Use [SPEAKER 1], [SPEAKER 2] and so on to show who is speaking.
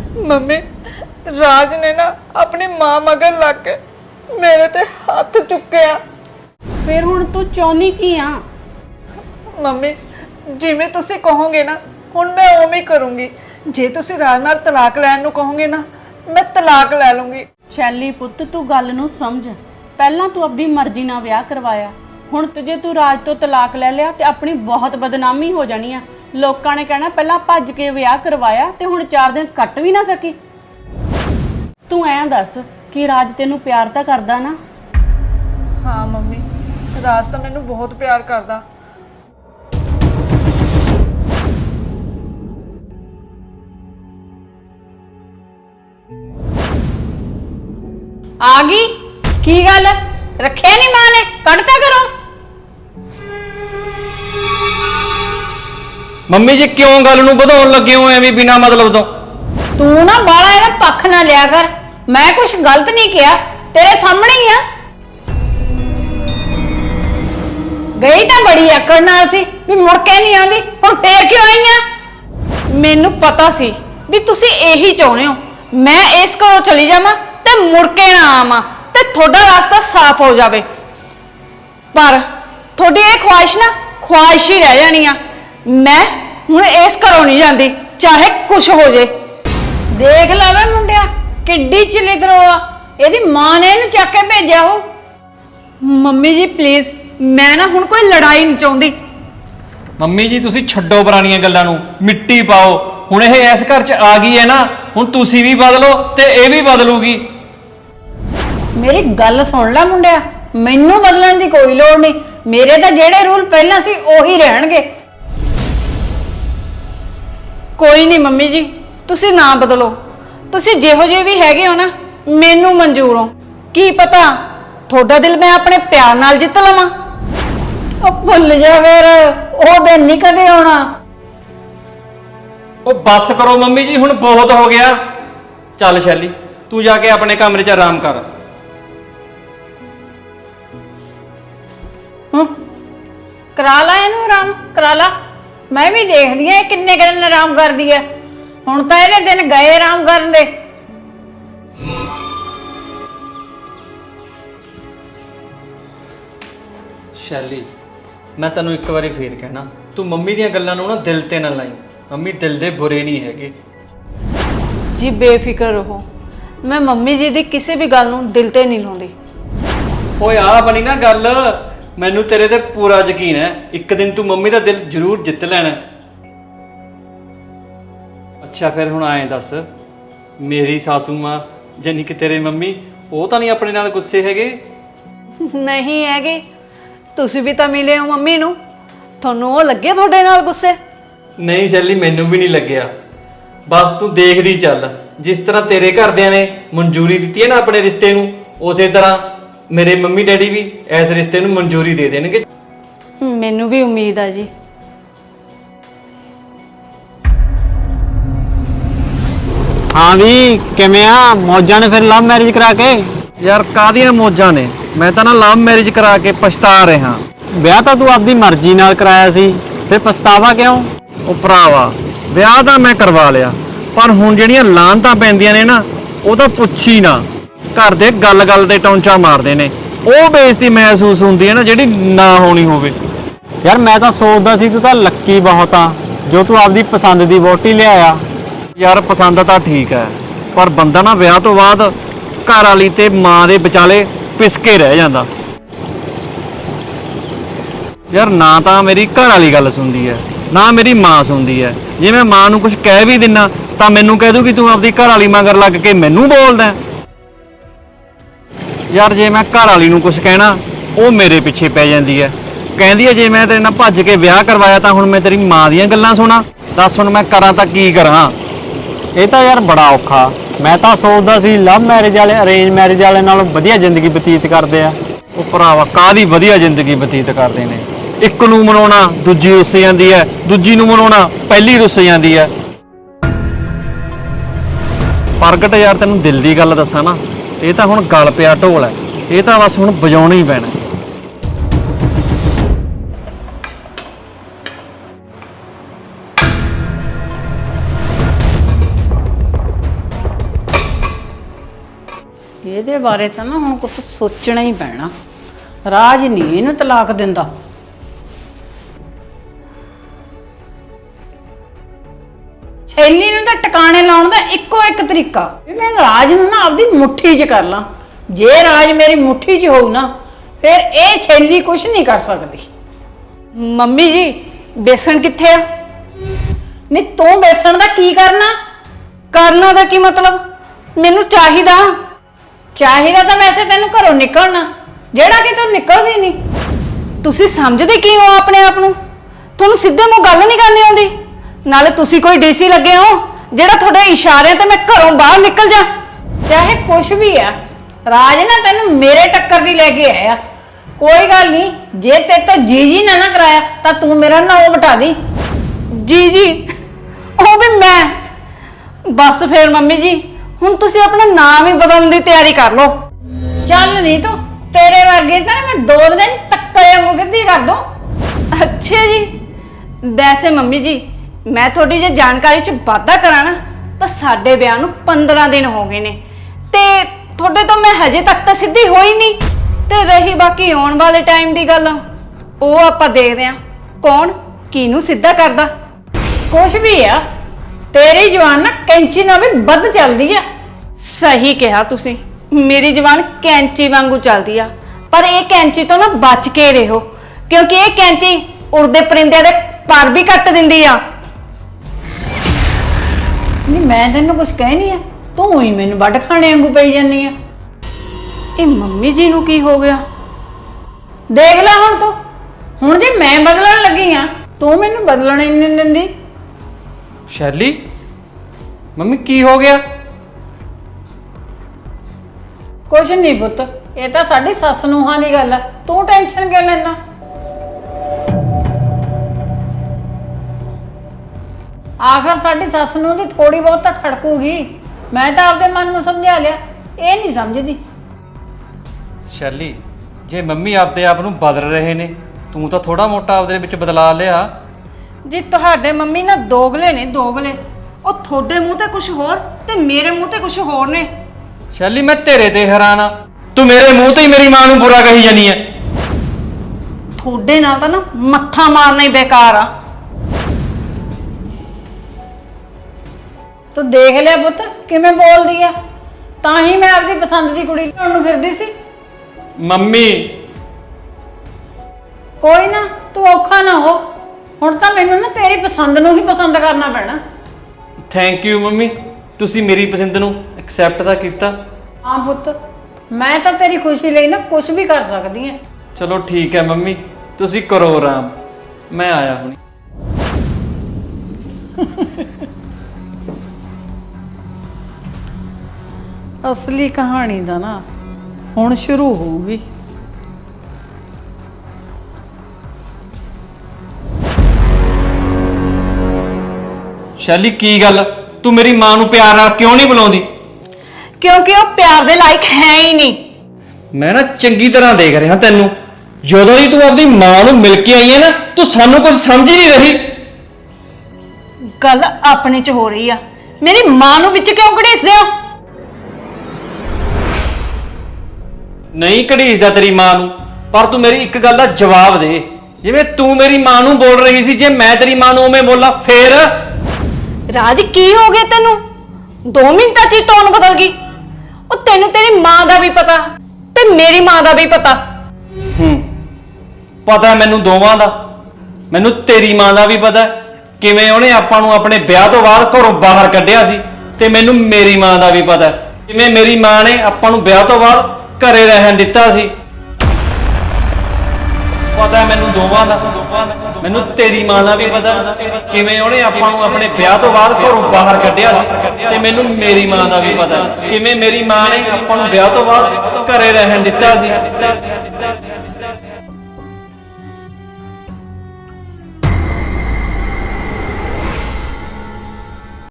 [SPEAKER 1] Mummy ਰਾਜ ਨੇ ਨਾ ਆਪਣੀ ਮਾਂ ਮਗਰ ਲੱਗ ਕੇ ਮੇਰੇ ਤੇ ਹੱਥ ਚੁੱਕਿਆ।
[SPEAKER 2] ਫਿਰ ਹੁਣ ਤੂੰ ਚਾਹੁੰਦੀ ਕੀ ਆ?
[SPEAKER 1] ਮੰਮੀ ਜਿਵੇਂ ਤੁਸੀਂ ਕਹੋਗੇ ਨਾ ਹੁਣ ਮੈਂ ਉਵੇਂ ਹੀ ਕਰੂੰਗੀ। ਜੇ ਤੁਸੀਂ ਰਾਜ ਨਾਲ ਤਲਾਕ ਲੈਣ ਨੂੰ ਕਹੋਗੇ ਨਾ ਮੈਂ ਤਲਾਕ ਲੈ ਲੂੰਗੀ।
[SPEAKER 2] ਸ਼ੈਲੀ ਪੁੱਤ ਤੂੰ ਗੱਲ ਨੂੰ ਸਮਝ। ਪਹਿਲਾਂ ਤੂੰ ਆਪਣੀ ਮਰਜ਼ੀ ਨਾਲ ਵਿਆਹ ਕਰਵਾਇਆ, ਹੁਣ ਤੇ ਜੇ ਤੂੰ ਰਾਜ ਤੋਂ ਤਲਾਕ ਲੈ ਲਿਆ ਤੇ ਆਪਣੀ ਬਹੁਤ ਬਦਨਾਮੀ ਹੋ ਜਾਣੀ ਆ। ਲੋਕਾਂ ਨੇ ਕਹਿਣਾ ਪਹਿਲਾਂ ਭੱਜ ਕੇ ਵਿਆਹ ਕਰਵਾਇਆ ਤੇ ਹੁਣ 4 ਦਿਨ ਕੱਟ ਵੀ ਨਾ ਸਕੀ। ਤੂੰ ਐਂ ਦੱਸ ਕਿ ਰਾਜ ਤੈਨੂੰ ਪਿਆਰ ਤਾਂ ਕਰਦਾ ਨਾ?
[SPEAKER 1] ਹਾਂ ਮੰਮੀ ਰਾਜ ਤਾਂ ਮੈਨੂੰ ਬਹੁਤ ਪਿਆਰ ਕਰਦਾ।
[SPEAKER 3] ਆ ਗਈ ਕੀ ਗੱਲ ਰੱਖਿਆ ਨਹੀਂ ਮਾਂ ਨੇ ਕੱਢਤਾ ਕਰੋ।
[SPEAKER 4] ਮੰਮੀ ਜੀ ਕਿਉਂ ਗੱਲ ਨੂੰ ਵਧਾਉਣ ਲੱਗੇ ਹੋ ਐਵੇਂ ਬਿਨਾ ਮਤਲਬ ਤੋਂ?
[SPEAKER 3] ਤੂੰ ਨਾ ਬਾਲਾ ਇਹਦਾ ਪੱਖ ਨਾ ਲਿਆ ਕਰ। ਮੈਂ ਕੁਝ ਗਲਤ ਨਹੀਂ ਕਿਹਾ, ਤੇਰੇ ਸਾਹਮਣੇ ਹੀ ਆ। ਗਈ ਤਾਂ ਬੜੀ ਆਕੜ ਨਾਲ ਸੀ ਵੀ ਮੁੜ ਕੇ ਨਹੀਂ ਆਉਂਦੀ, ਹੁਣ ਫੇਰ ਕਿਉਂ ਆਈਆਂ? ਮੈਨੂੰ ਪਤਾ ਸੀ ਵੀ ਤੁਸੀਂ ਇਹੀ ਚਾਹੁੰਦੇ ਹੋ ਮੈਂ ਇਸ ਘਰੋਂ ਚਲੀ ਜਾਵਾਂ ਤੇ ਮੁੜ ਕੇ ਨਾ ਆਵਾਂ ਤੇ ਤੁਹਾਡਾ ਰਸਤਾ ਸਾਫ਼ ਹੋ ਜਾਵੇ। ਪਰ ਤੁਹਾਡੀ ਇਹ ਖੁਆਇਸ਼ ਨਾ ਖੁਆਇਸ਼ ਹੀ ਰਹਿ ਜਾਣੀ ਆ। ਮੈਂ ਹੁਣ ਇਸ ਘਰੋਂ ਨਹੀਂ ਜਾਂਦੀ ਚਾਹੇ ਕੁਝ ਹੋ ਜੇ। ਦੇਖ ਲਵੇ ਮੁੰਡਿਆ ਕਿੱਡੀ ਚਿਲਿਤਰੋ ਆ, ਇਹਦੀ ਮਾਂ ਨੇ ਇਹਨੂੰ ਚੱਕ ਕੇ ਭੇਜਿਆ ਹੋ। ਮੰਮੀ ਜੀ ਪਲੀਜ਼ ਮੈਂ ਨਾ ਹੁਣ ਕੋਈ ਲੜਾਈ ਨਹੀਂ ਚਾਹੁੰਦੀ।
[SPEAKER 4] ਮੰਮੀ ਜੀ ਤੁਸੀਂ ਛੱਡੋ ਪੁਰਾਣੀਆਂ ਗੱਲਾਂ ਨੂੰ, ਮਿੱਟੀ ਪਾਓ। ਹੁਣ ਇਹ ਇਸ ਘਰ 'ਚ ਆ ਗਈ ਹੈ ਨਾ, ਹੁਣ ਤੁਸੀਂ ਵੀ ਬਦਲੋ ਤੇ ਇਹ ਵੀ ਬਦਲੂਗੀ।
[SPEAKER 3] ਮੇਰੀ ਗੱਲ ਸੁਣ ਲੈ ਮੁੰਡਿਆ, ਮੈਨੂੰ ਬਦਲਣ ਦੀ ਕੋਈ ਲੋੜ ਨਹੀਂ। ਮੇਰੇ ਤਾਂ ਜਿਹੜੇ ਰੂਲ ਪਹਿਲਾਂ ਸੀ ਉਹੀ ਰਹਿਣਗੇ। ਕੋਈ ਨਹੀਂ ਮੰਮੀ ਜੀ ਤੁਸੀਂ ਨਾ ਬਦਲੋ। ਤੁਸੀਂ ਜਿਹੋ ਜਿਹੇ ਵੀ ਹੈਗੇ ਹੋ ਨਾ ਮੈਨੂੰ ਮਨਜ਼ੂਰ ਹੋ। ਕੀ ਪਤਾ ਤੁਹਾਡਾ ਦਿਲ ਮੈਂ ਆਪਣੇ ਪਿਆਰ ਨਾਲ ਜਿੱਤ ਲਵਾਂ। ਉਹ ਭੁੱਲ ਜਾ ਫਿਰ, ਉਹ ਦਿਨ ਨਹੀਂ ਕਦੇ ਆਉਣਾ।
[SPEAKER 4] ਉਹ ਬੱਸ ਕਰੋ ਮੰਮੀ ਜੀ, ਹੁਣ ਬਹੁਤ ਹੋ ਗਿਆ। ਚੱਲ ਸ਼ੈਲੀ ਤੂੰ ਜਾ ਕੇ ਆਪਣੇ ਕਮਰੇ 'ਚ ਆਰਾਮ ਕਰ।
[SPEAKER 3] ਕਰਾ ਲਾ ਇਹਨੂੰ ਆਰਾਮ, ਕਰਾ ਲਾ। ਮੈਂ ਵੀ ਦੇਖਦੀ ਆ ਕਿੰਨੇ ਕੁ ਦਿਨ ਆਰਾਮ ਕਰਦੀ ਆ। ਹੁਣ ਤਾਂ ਇਹਦੇ ਦਿਨ ਗਏ ਆਰਾਮ ਕਰਨ ਦੇ।
[SPEAKER 4] ਸ਼ੈਲੀ ਮੈਂ ਤੈਨੂੰ ਇੱਕ ਵਾਰੀ ਫੇਰ ਕਹਿਣਾ, ਤੂੰ ਮੰਮੀ ਦੀਆਂ ਗੱਲਾਂ ਨੂੰ ਨਾ ਦਿਲ ਤੇ ਨਾ ਲਾਈ। ਮੰਮੀ ਦਿਲ ਦੇ ਬੁਰੇ ਨਹੀਂ ਹੈਗੇ।
[SPEAKER 1] ਜੀ ਬੇਫਿਕਰ ਰਹੋ, ਮੈਂ ਮੰਮੀ ਜੀ ਦੀ ਕਿਸੇ ਵੀ ਗੱਲ ਨੂੰ ਦਿਲ ਤੇ ਨਹੀਂ ਲਾਉਂਦੀ।
[SPEAKER 4] ਓਏ ਆ ਬਣੀ ਨਾ ਗੱਲ, ਮੈਨੂੰ ਤੇਰੇ ਤੇ ਪੂਰਾ ਯਕੀਨ ਹੈ ਇੱਕ ਦਿਨ ਤੂੰ ਮੰਮੀ ਦਾ ਦਿਲ ਜ਼ਰੂਰ ਜਿੱਤ ਲੈਣਾ। ਅੱਛਾ ਫਿਰ ਹੁਣ ਆਏ ਦੱਸ, ਮੇਰੀ ਸਾਸੂ ਮਾਂ ਜਾਨੀ ਕਿ ਤੇਰੇ ਮੰਮੀ ਉਹ ਤਾਂ ਨਹੀਂ ਆਪਣੇ ਨਾਲ ਗੁੱਸੇ ਹੈਗੇ?
[SPEAKER 1] ਨਹੀਂ ਹੈਗੇ, ਤੁਸੀਂ ਵੀ ਤਾਂ ਮਿਲੇ ਹੋ ਮੰਮੀ ਨੂੰ, ਤੁਹਾਨੂੰ ਉਹ ਲੱਗੇ ਤੁਹਾਡੇ ਨਾਲ ਗੁੱਸੇ?
[SPEAKER 4] ਨਹੀਂ ਸ਼ੈਲੀ ਮੈਨੂੰ ਵੀ ਨਹੀਂ ਲੱਗਿਆ। ਬਸ ਤੂੰ ਦੇਖਦੀ ਚੱਲ, ਜਿਸ ਤਰ੍ਹਾਂ ਤੇਰੇ ਘਰਦਿਆਂ ਨੇ ਮਨਜ਼ੂਰੀ ਦਿੱਤੀ ਹੈ ਨਾ ਆਪਣੇ ਰਿਸ਼ਤੇ ਨੂੰ, ਉਸੇ ਤਰ੍ਹਾਂ ਮੇਰੇ ਮੰਮੀ ਡੈਡੀ ਵੀ ਇਸ ਰਿਸ਼ਤੇ ਨੂੰ ਮਨਜ਼ੂਰੀ ਦੇ ਦੇਣਗੇ।
[SPEAKER 1] ਮੈਨੂੰ ਵੀ ਉਮੀਦ ਆ ਜੀ।
[SPEAKER 5] ਹਾਂ ਵੀ ਕਿਵੇਂ ਆ ਮੌਜਾਂ ਨੇ ਫਿਰ ਲਵ ਮੈਰਿਜ ਕਰਾ ਕੇ?
[SPEAKER 4] ਯਾਰ ਕਾਹਦੀਆਂ ਮੌਜਾਂ ਨੇ, ਮੈਂ ਤਾਂ ਨਾ ਲਵ ਮੈਰਿਜ ਕਰਾ ਕੇ ਪਛਤਾ ਰਿਹਾ।
[SPEAKER 5] ਵਿਆਹ ਤਾਂ ਤੂੰ ਆਪਦੀ ਮਰਜ਼ੀ ਨਾਲ ਕਰਾਇਆ ਸੀ, ਫਿਰ ਪਛਤਾਵਾ ਕਿਉਂ?
[SPEAKER 4] ਉਹ ਭਰਾਵਾ ਵਿਆਹ ਤਾਂ ਮੈਂ ਕਰਵਾ ਲਿਆ, ਪਰ ਹੁਣ ਜਿਹੜੀਆਂ ਲਾਹਨਤਾਂ ਪੈਂਦੀਆਂ ਨੇ ਨਾ ਉਹ ਤਾਂ ਪੁੱਛੀ ਨਾ। ਘਰ ਦੇ ਗੱਲ-ਗੱਲ ਤੇ ਟੌਂਚਾ ਮਾਰਦੇ ਨੇ, ਉਹ ਬੇਇੱਜ਼ਤੀ ਮਹਿਸੂਸ ਹੁੰਦੀ ਹੈ ਨਾ ਜਿਹੜੀ ਨਾ ਹੋਣੀ ਹੋਵੇ।
[SPEAKER 5] ਯਾਰ ਮੈਂ ਤਾਂ ਸੋਚਦਾ ਸੀ ਤੂੰ ਤਾਂ ਲੱਕੀ ਬਹੁਤ ਆ ਜੋ ਤੂੰ ਆਪਦੀ ਪਸੰਦ ਦੀ ਵਹੁਟੀ ਲਿਆਇਆ।
[SPEAKER 4] ਯਾਰ ਪਸੰਦ ਤਾਂ ਠੀਕ ਹੈ, ਪਰ ਬੰਦਾ ਨਾ ਵਿਆਹ ਤੋਂ ਬਾਅਦ ਘਰ ਵਾਲੀ ਤੇ ਮਾਂ ਦੇ ਵਿਚਾਲੇ ਪਿਸਕੇ ਰਹਿ ਜਾਂਦਾ। ਯਾਰ ਨਾ ਤਾਂ ਮੇਰੀ ਘਰ ਵਾਲੀ ਗੱਲ ਸੁਣਦੀ ਹੈ ਨਾ ਮੇਰੀ ਮਾਂ ਸੁਣਦੀ ਹੈ। ਜੇ ਮੈਂ ਮਾਂ ਨੂੰ ਕੁਝ ਕਹਿ ਵੀ ਦਿੰਨਾ ਤਾਂ ਮੈਨੂੰ ਕਹਿ ਦੂਗੀ ਤੂੰ ਆਪਦੀ ਘਰ ਵਾਲੀ ਮਗਰ ਲੱਗ ਕੇ ਮੈਨੂੰ ਬੋਲਦਾ। ਯਾਰ ਜੇ ਮੈਂ ਘਰ ਵਾਲੀ ਨੂੰ ਕੁਝ ਕਹਿਣਾ ਉਹ ਮੇਰੇ ਪਿੱਛੇ ਪੈ ਜਾਂਦੀ ਹੈ, ਕਹਿੰਦੀ ਹੈ ਜੇ ਮੈਂ ਤੇਰੇ ਨਾਲ ਭੱਜ ਕੇ ਵਿਆਹ ਕਰਵਾਇਆ ਤਾਂ ਹੁਣ ਮੈਂ ਤੇਰੀ ਮਾਂ ਦੀਆਂ ਗੱਲਾਂ ਸੁਣਾ। ਦੱਸ ਹੁਣ ਮੈਂ ਕਰਾਂ ਤਾਂ ਕੀ ਕਰਾਂ?
[SPEAKER 5] ਇਹ ਤਾਂ ਯਾਰ ਬੜਾ ਔਖਾ। ਮੈਂ ਤਾਂ ਸੋਚਦਾ ਸੀ ਲਵ ਮੈਰਿਜ ਵਾਲੇ ਅਰੇਂਜ ਮੈਰਿਜ ਵਾਲੇ ਨਾਲੋਂ ਵਧੀਆ ਜ਼ਿੰਦਗੀ ਬਤੀਤ ਕਰਦੇ ਆ।
[SPEAKER 4] ਉਹ ਭਰਾਵਾ ਕਾਹਦੀ ਵਧੀਆ ਜ਼ਿੰਦਗੀ ਬਤੀਤ ਕਰਦੇ ਨੇ। ਇੱਕ ਨੂੰ ਮਨਾਉਣਾ ਦੂਜੀ ਰੁੱਸ ਜਾਂਦੀ ਹੈ, ਦੂਜੀ ਨੂੰ ਮਨਾਉਣਾ ਪਹਿਲੀ ਰੁੱਸ ਜਾਂਦੀ ਹੈ। ਪ੍ਰਗਟ ਯਾਰ ਤੈਨੂੰ ਦਿਲ ਦੀ ਗੱਲ ਦੱਸਾਂ ਨਾ, ਇਹ ਤਾਂ ਹੁਣ ਗਲ ਪਿਆ ਢੋਲ ਹੈ, ਇਹ ਤਾਂ ਬਸ ਹੁਣ ਵਜਾਉਣਾ ਹੀ ਪੈਣਾ।
[SPEAKER 3] ਇਹਦੇ ਬਾਰੇ ਤਾਂ ਨਾ ਹੁਣ ਕੁਝ ਸੋਚਣਾ ਹੀ ਪੈਣਾ। ਰਾਜ ਨਹੀਂ ਇਹਨੂੰ ਤਲਾਕ ਦਿੰਦਾ। ਸ਼ੈਲੀ ਨੂੰ ਤਾਂ ਟਿਕਾਣੇ ਲਾਉਣ ਦਾ ਇੱਕੋ ਇੱਕ ਤਰੀਕਾ ਵੀ ਮੈਂ ਰਾਜ ਨੂੰ ਨਾ ਆਪਦੀ ਮੁੱਠੀ 'ਚ ਕਰ ਲਾਂ। ਜੇ ਰਾਜ ਮੇਰੀ ਮੁੱਠੀ 'ਚ ਹੋਊ ਨਾ ਫਿਰ ਇਹ ਸ਼ੈਲੀ ਕੁਝ ਨਹੀਂ ਕਰ ਸਕਦੀ।
[SPEAKER 2] ਮੰਮੀ ਜੀ ਬੇਸਣ ਕਿੱਥੇ ਆ?
[SPEAKER 3] ਨਹੀਂ ਤੂੰ ਬੇਸਣ ਦਾ ਕੀ ਕਰਨਾ?
[SPEAKER 2] ਕਰਨਾ ਦਾ ਕੀ ਮਤਲਬ? ਮੈਨੂੰ ਚਾਹੀਦਾ
[SPEAKER 3] ਤਾਂ ਵੈਸੇ ਤੈਨੂੰ ਘਰੋਂ ਨਿਕਲਣਾ, ਜਿਹੜਾ ਕਿ ਤੂੰ ਨਿਕਲਦੀ ਨਹੀਂ।
[SPEAKER 2] ਤੁਸੀਂ ਸਮਝਦੇ ਕੀ ਹੋ ਆਪਣੇ ਆਪ ਨੂੰ? ਤੁਹਾਨੂੰ ਸਿੱਧੇ ਮੂੰਹ ਗੱਲ ਨਹੀਂ ਕਰਨੀ ਆਉਂਦੀ। ਨਾਲੇ ਤੁਸੀਂ ਕੋਈ ਡੀਸੀ ਲੱਗੇ ਹੋ ਜਿਹੜਾ ਤੁਹਾਡੇ ਇਸ਼ਾਰਿਆਂ ਤੇ ਮੈਂ ਘਰੋਂ ਬਾਹਰ ਨਿਕਲ ਜਾ।
[SPEAKER 3] ਚਾਹੇ ਕੁਛ ਵੀ ਆ, ਰਾਜ ਨਾ ਤੈਨੂੰ ਮੇਰੇ ਟੱਕਰ ਦੀ ਲੈ ਕੇ ਆਇਆ। ਕੋਈ ਗੱਲ ਨਹੀਂ, ਜੇ ਤੇ ਤੋਂ ਜੀ ਨਾ ਕਰਾਇਆ ਤਾਂ ਤੂੰ ਮੇਰਾ ਨਾਂ ਬਟਾ ਦੀ।
[SPEAKER 2] ਜੀ ਉਹ ਵੀ ਮੈਂ। ਬਸ ਫਿਰ ਮੰਮੀ ਜੀ ਹੁਣ ਤੁਸੀਂ ਆਪਣਾ ਨਾਮ ਹੀ ਬਦਲਣ ਦੀ ਤਿਆਰੀ ਕਰ ਲਓ।
[SPEAKER 3] ਚੱਲ ਨਹੀਂ ਤੂੰ, ਤੇਰੇ ਵਰਗੇ ਤਾਂ ਮੈਂ 2 ਦਿਨ ਤੱਕਲੇ ਵਾਂਗੂ ਸਿੱਧੀ ਕਰ ਦੂੰ।
[SPEAKER 2] ਅੱਛਾ ਜੀ। ਵੈਸੇ ਮੰਮੀ ਜੀ ਮੈਂ ਤੁਹਾਡੀ ਜੇ ਜਾਣਕਾਰੀ 'ਚ ਵਾਧਾ ਕਰਾਂ ਨਾ ਤਾਂ ਸਾਡੇ ਵਿਆਹ ਨੂੰ 15 ਦਿਨ ਹੋ ਗਏ ਨੇ ਤੇ ਤੁਹਾਡੇ ਤੋਂ ਮੈਂ ਹਜੇ ਤੱਕ ਤਾਂ ਸਿੱਧੀ ਹੋਈ ਨਹੀਂ। ਤੇ ਰਹੀ ਬਾਕੀ ਆਉਣ ਵਾਲੇ ਟਾਈਮ ਦੀ ਗੱਲ, ਉਹ ਆਪਾਂ ਦੇਖਦੇ ਹਾਂ ਕੌਣ ਕਿਹਨੂੰ ਸਿੱਧਾ ਕਰਦਾ।
[SPEAKER 3] ਕੁਛ ਵੀ ਆ, ਤੇਰੀ ਜਵਾਨ ਨਾ ਕੈਂਚੀ ਨਾਲ ਵੀ ਵੱਧ ਚੱਲਦੀ ਆ।
[SPEAKER 2] ਸਹੀ ਕਿਹਾ ਤੁਸੀਂ, ਮੇਰੀ ਜ਼ੁਬਾਨ ਕੈਂਚੀ ਵਾਂਗੂ ਚੱਲਦੀ ਆ। ਪਰ ਇਹ ਕੈਂਚੀ ਤੋਂ ਨਾ ਬਚ ਕੇ ਰਹੋ ਕਿਉਂਕਿ ਇਹ ਕੈਂਚੀ ਉੜਦੇ ਪਰਿੰਦਿਆਂ ਦੇ ਪਰ ਵੀ ਕੱਟ ਦਿੰਦੀ ਆ।
[SPEAKER 3] ਨਹੀਂ ਮੈਂ ਤੈਨੂੰ ਕੁਛ ਕਹਿ ਨਹੀਂ ਆ, ਤੂੰ ਹੀ ਮੈਨੂੰ ਵੱਢ ਖਾਣੇ ਵਾਂਗੂ ਪਈ ਜਾਂਦੀ ਆ।
[SPEAKER 2] ਇਹ ਮੰਮੀ ਜੀ ਨੂੰ ਕੀ ਹੋ ਗਿਆ?
[SPEAKER 3] ਦੇਖ ਲੈ ਹੁਣ ਤੂੰ, ਹੁਣ ਜੇ ਮੈਂ ਬਦਲਣ ਲੱਗੀ ਆ ਤੂੰ ਮੈਨੂੰ ਬਦਲਣ ਹੀ ਨਹੀਂ ਦਿੰਦੀ।
[SPEAKER 5] ਸ਼ੈਲੀ ਮੰਮੀ ਕੀ ਹੋ ਗਿਆ?
[SPEAKER 3] ਕੁਛ ਨਹੀਂ ਪੁੱਤ, ਇਹ ਤਾਂ ਸਾਡੀ ਸੱਸ ਨੂੰਹਾਂ ਦੀ ਗੱਲ ਆ, ਤੂੰ ਟੈਨਸ਼ਨ ਕਿਉਂ ਲੈਣਾ? ਆਖਰ ਸਾਡੀ ਸੱਸ ਨੂੰ ਦੀ ਥੋੜੀ ਬਹੁਤ ਤਾਂ ਖੜਕੂਗੀ। ਮੈਂ ਤਾਂ ਆਪਦੇ ਮਨ ਨੂੰ ਸਮਝਾ ਲਿਆ, ਇਹ ਨਹੀਂ ਸਮਝਦੀ।
[SPEAKER 5] ਸ਼ੈਲੀ ਜੇ ਮੰਮੀ ਆਪਦੇ ਆਪ ਨੂੰ ਬਦਲ ਰਹੇ ਨੇ, ਤੂੰ ਤਾਂ ਥੋੜਾ ਮੋਟਾ ਆਪਦੇ ਵਿੱਚ ਬਦਲਾ ਲਿਆ।
[SPEAKER 2] ਜੀ ਤੁਹਾਡੇ ਮੰਮੀ ਨਾ ਦੋਗਲੇ ਨੇ, ਦੋਗਲੇ। ਉਹ ਤੁਹਾਡੇ ਮੂੰਹ ਤੇ ਕੁਝ ਹੋਰ ਤੇ ਮੇਰੇ ਮੂੰਹ ਤੇ ਕੁਝ ਹੋਰ ਨੇ।
[SPEAKER 5] ਸ਼ੈਲੀ ਮੈਂ ਤੇਰੇ ਤੇ ਹੈਰਾਨ ਆ, ਤੂੰ ਮੇਰੇ ਮੂੰਹ ਤੇ ਹੀ ਮੇਰੀ ਮਾਂ ਨੂੰ ਬੁਰਾ ਕਹੀ ਜਾਨੀ ਐ।
[SPEAKER 2] ਤੁਹਾਡੇ ਨਾਲ ਤਾਂ ਨਾ ਮੱਥਾ ਮਾਰਨਾ ਹੀ ਬੇਕਾਰ ਆ।
[SPEAKER 3] ਤੂੰ ਦੇਖ ਲਿਆ ਪੁੱਤ ਕਿਵੇਂ ਬੋਲਦੀ ਆ, ਤਾਂ ਹੀ ਮੈਂ ਆਪਦੀ ਪਸੰਦ ਦੀ ਕੁੜੀ ਲਿਆਉਣ ਨੂੰ ਫਿਰਦੀ ਸੀ।
[SPEAKER 5] ਮੰਮੀ
[SPEAKER 3] ਕੋਈ ਨਾ ਤੂੰ ਔਖਾ ਨਾ ਹੋ, ਹੁਣ ਤਾਂ ਮੈਨੂੰ ਨਾ ਤੇਰੀ ਪਸੰਦ ਨੂੰ ਹੀ ਪਸੰਦ ਕਰਨਾ ਪੈਣਾ।
[SPEAKER 5] ਥੈਂਕ ਯੂ ਮੰਮੀ, ਤੁਸੀਂ ਮੇਰੀ ਪਸੰਦ ਨੂੰ ਐਕਸੈਪਟ ਤਾਂ ਕੀਤਾ।
[SPEAKER 3] ਹਾਂ ਪੁੱਤ, ਮੈਂ ਤਾਂ ਤੇਰੀ ਖੁਸ਼ੀ ਲਈ ਨਾ ਕੁਝ ਵੀ ਕਰ ਸਕਦੀ ਆ।
[SPEAKER 5] ਚਲੋ ਠੀਕ ਹੈ ਮੰਮੀ, ਤੁਸੀਂ ਕਰੋ ਆਰਾਮ, ਮੈਂ ਆਇਆ ਹੁਣੀ।
[SPEAKER 3] ਅਸਲੀ ਕਹਾਣੀ ਦਾ ਨਾ ਹੁਣ ਸ਼ੁਰੂ ਹੋਊਗੀ।
[SPEAKER 5] ਸ਼ੈਲੀ ਕੀ ਗੱਲ, ਤੂੰ ਮੇਰੀ ਮਾਂ ਨੂੰ ਪਿਆਰ ਨਾਲ ਕਿਉਂ ਨਹੀਂ ਬੁਲਾਉਂਦੀ?
[SPEAKER 2] ਕਿਉਂਕਿ ਉਹ ਪਿਆਰ ਦੇ ਲਾਇਕ ਹੈ ਹੀ ਨਹੀਂ।
[SPEAKER 5] ਮੈਂ ਨਾ ਚੰਗੀ ਤਰ੍ਹਾਂ ਦੇਖ ਰਿਹਾ ਤੈਨੂੰ, ਜਦੋਂ ਹੀ ਤੂੰ ਆਪਣੀ ਮਾਂ ਨੂੰ ਮਿਲ ਕੇ ਆਈ ਹੈ ਨਾ, ਤੂੰ ਸਾਨੂੰ ਕੁਝ ਸਮਝ ਹੀ ਨਹੀਂ ਰਹੀ।
[SPEAKER 2] ਗੱਲ ਆਪਣੇ 'ਚ ਹੋ ਰਹੀ ਆ, ਮੇਰੀ ਮਾਂ ਨੂੰ ਵਿੱਚ ਕਿਉਂ ਘੜੀਸਦੇ ਹੋ?
[SPEAKER 5] ਨਹੀਂ ਘੜੀਸਦਾ ਤੇਰੀ ਮਾਂ ਨੂੰ, ਪਰ ਤੂੰ ਮੇਰੀ ਇੱਕ ਗੱਲ ਦਾ ਜਵਾਬ ਦੇ। ਜਿਵੇਂ ਤੂੰ ਮੇਰੀ ਮਾਂ ਨੂੰ ਬੋਲ ਰਹੀ ਸੀ, ਜੇ ਮੈਂ ਤੇਰੀ ਮਾਂ ਨੂੰ ਉਵੇਂ ਬੋਲਾਂ ਫੇਰ?
[SPEAKER 2] ਰਾਜ ਕੀ ਹੋ ਗਿਆ ਤੈਨੂੰ? 2 ਮਿੰਟਾਂ 'ਚ ਹੀ ਟੋਨ ਬਦਲ ਗਈ। ਉਹ ਤੈਨੂੰ ਤੇਰੀ ਮਾਂ ਦਾ ਵੀ ਪਤਾ ਤੇ ਮੇਰੀ ਮਾਂ ਦਾ ਵੀ ਪਤਾ।
[SPEAKER 5] ਪਤਾ ਮੈਨੂੰ ਦੋਵਾਂ ਦਾ, ਮੈਨੂੰ ਤੇਰੀ ਮਾਂ ਦਾ ਵੀ ਪਤਾ ਕਿਵੇਂ ਉਹਨੇ ਆਪਾਂ ਨੂੰ ਆਪਣੇ ਵਿਆਹ ਤੋਂ ਬਾਅਦ ਘਰੋਂ ਬਾਹਰ ਕੱਢਿਆ ਸੀ, ਤੇ ਮੈਨੂੰ ਮੇਰੀ ਮਾਂ ਦਾ ਵੀ ਪਤਾ ਕਿਵੇਂ ਮੇਰੀ ਮਾਂ ਨੇ ਆਪਾਂ ਨੂੰ ਵਿਆਹ ਤੋਂ ਬਾਅਦ ਘਰੇ ਰਹਿਣ ਦਿੱਤਾ ਸੀ। ਪਤਾ ਮੈਨੂੰ ਦੋਵਾਂ ਦਾ, ਮੈਨੂੰ ਤੇਰੀ ਮਾਂ ਦਾ ਵੀ ਪਤਾ ਕਿਵੇਂ ਉਹਨੇ ਆਪਾਂ ਨੂੰ ਆਪਣੇ ਵਿਆਹ ਤੋਂ ਬਾਅਦ ਘਰੋਂ ਬਾਹਰ ਕੱਢਿਆ ਸੀ, ਤੇ ਮੈਨੂੰ ਮੇਰੀ ਮਾਂ ਦਾ ਵੀ ਪਤਾ ਕਿਵੇਂ ਮੇਰੀ ਮਾਂ ਨੇ ਆਪਾਂ ਨੂੰ ਵਿਆਹ ਤੋਂ ਬਾਅਦ ਘਰੇ ਰਹਿਣ ਦਿੱਤਾ ਸੀ।